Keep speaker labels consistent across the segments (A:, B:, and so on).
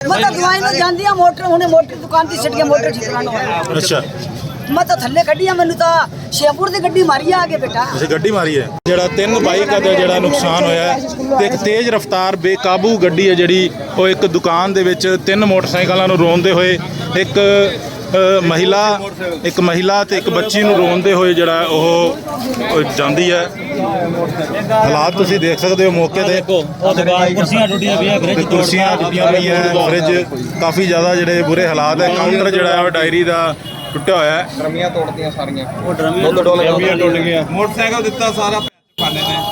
A: मैं तो दवाई में जाती हूँ मोटर हुणे मोटर दुकान की छट के मोटर ठीक कराना
B: अच्छा
A: मैं तो थल्ले कड्डी आ मैनू तो शेपुर दी गड्डी मारी आगे बेटा
B: ਅਸੀਂ ਗੱਡੀ ਮਾਰੀ ਹੈ ਜਿਹੜਾ ਤਿੰਨ ਬਾਈਕ ਦਾ ਜਿਹੜਾ ਨੁਕਸਾਨ ਹੋਇਆ ਹੈ ਤੇ ਇੱਕ ਤੇਜ਼ ਰਫ਼ਤਾਰ ਬੇਕਾਬੂ ਗੱਡੀ ਹੈ ਜਿਹੜੀ ਉਹ ਇੱਕ ਦੁਕਾਨ ਦੇ ਵਿੱਚ ਤਿੰਨ ਮੋਟਰਸਾਈਕਲਾਂ ਨੂੰ ਰੋਂਦੇ ਹੋਏ ਇੱਕ ਮਹਿਲਾ ਤੇ ਇੱਕ ਬੱਚੀ ਨੂੰ ਰੋਂਦੇ ਹੋਏ ਜਿਹੜਾ ਉਹ ਜਾਂਦੀ ਹੈ। ਹਾਲਾਤ ਤੁਸੀਂ ਦੇਖ ਸਕਦੇ ਹੋ ਮੌਕੇ ਤੇ
C: ਕੁਰਸੀਆਂ ਟੁੱਟੀਆਂ ਪਈਆਂ ਫ੍ਰਿਜ
B: ਕੁਰਸੀਆਂ ਟੁੱਟੀਆਂ ਪਈਆਂ ਫ੍ਰਿਜ ਕਾਫੀ ਜ਼ਿਆਦਾ ਜਿਹੜੇ ਬੁਰੇ ਹਾਲਾਤ ਹੈ। ਕਾਊਂਟਰ ਜਿਹੜਾ ਹੈ ਉਹ ਡਾਇਰੀ ਦਾ ਟੁੱਟਿਆ ਹੋਇਆ ਹੈ।
D: ਡਰਮੀਆਂ ਤੋੜਤੀਆਂ ਸਾਰੀਆਂ
C: ਉਹ ਡਰਮੀਆਂ
B: ਟੁੱਟ ਗਈਆਂ
D: ਮੋਟਰਸਾਈਕਲ ਦਿੱਤਾ ਸਾਰਾ ਖਾਨੇ ਨੇ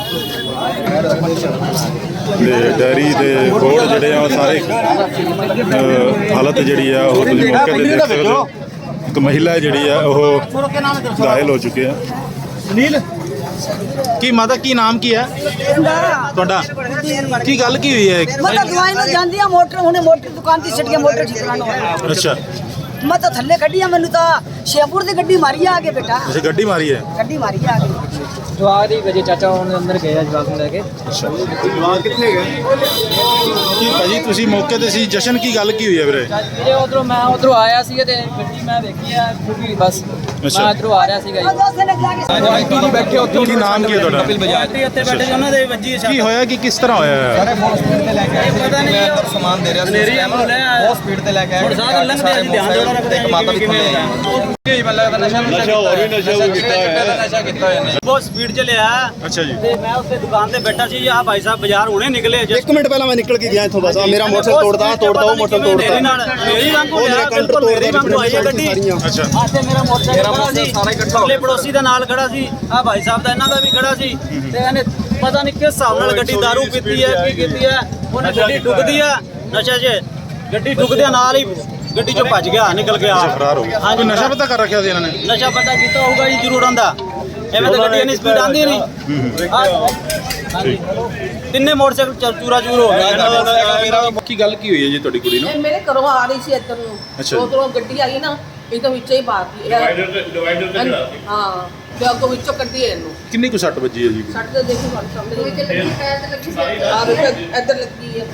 B: ਤੇ ਡੈਰੀ ਦੇ ਬੋਰਡ ਜਿਹੜੇ ਆ ਉਹ ਸਾਰੇ ਹਾਲਤ ਜਿਹੜੀ ਆ ਉਹ ਤੁਸੀਂ ਮੌਕੇ ਤੇ ਦੇਖ ਸਕਦੇ ਹੋ। ਇੱਕ ਮਹਿਲਾ ਜਿਹੜੀ ਆ ਉਹ ਘਾਇਲ ਹੋ ਚੁੱਕੀ ਆ। ਸੁਨੀਲ ਕੀ ਮਾਤਾ ਕੀ ਨਾਮ ਕੀ ਹੈ ਤੁਹਾਡਾ ਕੀ ਗੱਲ ਕੀ ਹੋਈ ਹੈ?
A: मैं तो दवाई में जाती हूँ मोटर हुणे मोटर दुकान की छट के मोटर ठीक कराना
B: ਅੱਛਾ
A: मैं तो थल्ले कड्डी आ मैनू तो शेपुर दी गड्डी मारी आगे बेटा
B: ਤੁਸੀਂ ਗੱਡੀ ਮਾਰੀ ਹੈ?
A: गड्डी मारी आगे
C: ਜਵਾਕ ਦੀ ਵਜੇ ਚਾਚਾ ਉਹਨੇ ਅੰਦਰ ਗਏ ਜਵਾਕ ਨੂੰ ਲੈ ਕੇ।
B: ਅੱਛਾ ਕਿੱਥੇ ਗਏ ਕੀ ਭਾਜੀ ਤੁਸੀਂ ਮੌਕੇ ਤੇ ਸੀ ਜਸ਼ਨ ਕੀ ਗੱਲ ਕੀ ਹੋਈ ਹੈ ਵੀਰੇ?
C: ਜਿਹੜੇ ਉਧਰੋਂ ਮੈਂ ਉਧਰੋਂ ਆਇਆ ਸੀ ਤੇ ਗੱਡੀ ਮੈਂ ਵੇਖੀ ਆ ਖੁੱਲੀ ਬਸ ਮੈਂ ਇਧਰੋਂ ਆ ਰਿਹਾ ਸੀਗਾ ਜੀ।
D: ਬੈਠੇ ਉੱਥੇ
B: ਕੀ ਨਾਮ ਕੀ ਹੈ ਤੁਹਾਡਾ?
C: ਉੱਤੇ ਬੈਠੇ ਸੀ ਉਹਨਾਂ ਦੇ ਵੱਜੀ
B: ਕੀ ਹੋਇਆ ਕਿ ਕਿਸ ਤਰ੍ਹਾਂ ਹੋਇਆ ਹੈ?
D: ਬਹੁਤ ਸਪੀਡ ਤੇ ਲੈ ਕੇ ਆਏ
C: ਪਤਾ ਨਹੀਂ
D: ਮੈਂ ਅੰਦਰ ਸਮਾਨ ਦੇ ਰਿਹਾ ਸੀ
C: ਮੇਰੀ ਐਮੋ ਲੈ ਆਇਆ।
D: ਬਹੁਤ ਸਪੀਡ ਤੇ ਲੈ ਕੇ ਆਏ
C: ਹੁਣ ਸਾਰਾ ਲੰਘਦੇ ਆ ਜੀ, ਧਿਆਨ ਦਿਓ ਨਾ,
D: ਇੱਕ ਮਾਤਾ ਵੀ ਥੱਲੇ ਆਈ ਕੀ ਮੈਨੂੰ ਲੱਗਦਾ ਨਸ਼ਾ ਹੋਰ ਵੀ ਨਸ਼ਾ ਕੀਤਾ ਹੋਇਆ ਨੇ
C: ਬਹੁਤ ਸਪੀਡ ਚ ਲਿਆ
B: ਅੱਛਾ ਜੀ
C: ਤੇ ਮੈਂ ਉੱਤੇ ਦੁਕਾਨ ਤੇ ਬੈਠਾ ਸੀ। ਆਹ ਭਾਈ ਸਾਹਿਬ ਬਾਜ਼ਾਰ ਹੁਣੇ ਨਿਕਲੇ
E: ਇੱਕ ਮਿੰਟ ਪਹਿਲਾਂ ਮੈਂ ਨਿਕਲ ਕੇ ਗਿਆ ਇੱਥੋਂ ਬਸ ਆਹ ਮੇਰਾ ਮੋਟਰਸਾਈਕਲ ਤੋੜਦਾ ਉਹ ਮੋਟਰਸਾਈਕਲ ਤੋੜਦਾ
C: ਮੇਰੀ ਵਾਂਗੂ
E: ਉਹ ਮੇਰਾ ਕਾਊਂਟਰ
C: ਮੇਰੀ ਵਾਂਗੂ ਆਈ ਹੈ ਗੱਡੀ।
B: ਅੱਛਾ
C: ਆਤੇ ਮੇਰਾ ਮੋਟਰਸਾਈਕਲ ਖੜਾ ਸੀ, ਅਗਲੇ ਪੜੋਸੀ ਦੇ ਨਾਲ ਖੜਾ ਸੀ, ਆ ਭਾਈ ਸਾਹਿਬ ਦਾ ਇਹਨਾਂ ਦਾ ਵੀ ਖੜਾ ਸੀ ਤੇ ਇਹਨੇ ਪਤਾ ਨਹੀਂ ਕਿਸ ਹਿਸਾਬ ਨਾਲ ਗੱਡੀ ਦਾਰੂ ਪੀਤੀ ਹੈ ਕੀ ਕੀਤੀ ਹੈ ਉਹਨੇ ਗੱਡੀ ਡੁੱਬਦੀ ਆ ਨਸ਼ਾ 'ਚ ਗੱਡੀ ਡੁੱਬਦਿਆਂ ਨਾਲ ਹੀ ਗੱਡੀ 'ਚੋਂ ਭੱਜ ਗਿਆ ਨਿਕਲ ਗਿਆ।
B: ਫਰਾਰ ਹੋ ਗਿਆ।
C: ਹਾਂਜੀ,
B: ਕੋਈ ਨਸ਼ਾ ਪਤਾ ਕਰ ਰੱਖਿਆ ਸੀ ਇਹਨਾਂ ਨੇ?
C: ਨਸ਼ਾ ਪਤਾ ਕੀਤਾ ਹੋਊਗਾ ਜੀ ਜ਼ਰੂਰ ਆਂਦਾ ਐਵੇਂ ਤਾਂ ਗੱਡੀ ਇੰਨੀ ਸਪੀਡ ਆਂਦੀ ਨਹੀਂ। ਹਾਂਜੀ ਤਿੰਨੇ ਮੋਟਰਸਾਈਕਲ ਚੂਰਾ ਚੂਰ ਹੋ ਗਿਆ।
B: ਕੀ ਗੱਲ ਕੀ ਹੋਈ ਹੈ ਜੀ ਤੁਹਾਡੀ ਕੁੜੀ ਨੂੰ?
F: ਇਹ ਮੇਰੇ ਘਰੋਂ ਆ ਰਹੀ ਸੀ ਇੱਧਰ ਨੂੰ
B: ਅੱਛਾ।
F: ਉਧਰੋਂ ਗੱਡੀ ਆਈ ਨਾ ਇਹ ਤਾਂ ਵਿੱਚੇ ਹੀ ਬਾਤੀ ਡਿਵਾਈਡਰ ਤੇ ਚੜਾ ਹਾਂ ਤੇ ਅੱਗੋਂ ਵਿੱਚੋਂ ਕੱਢੀ ਇਹਨੂੰ
B: ਕਿੰਨੀ ਕੁ ਸੱਟ ਵੱਜੀ ਹੈ ਜੀ?
F: ਸੱਟ ਤੇ ਦੇਖੋ ਤੁਹਾਡੇ ਸਾਹਮਣੇ ਇੱਧਰ ਲੱਗੀ ਹੈ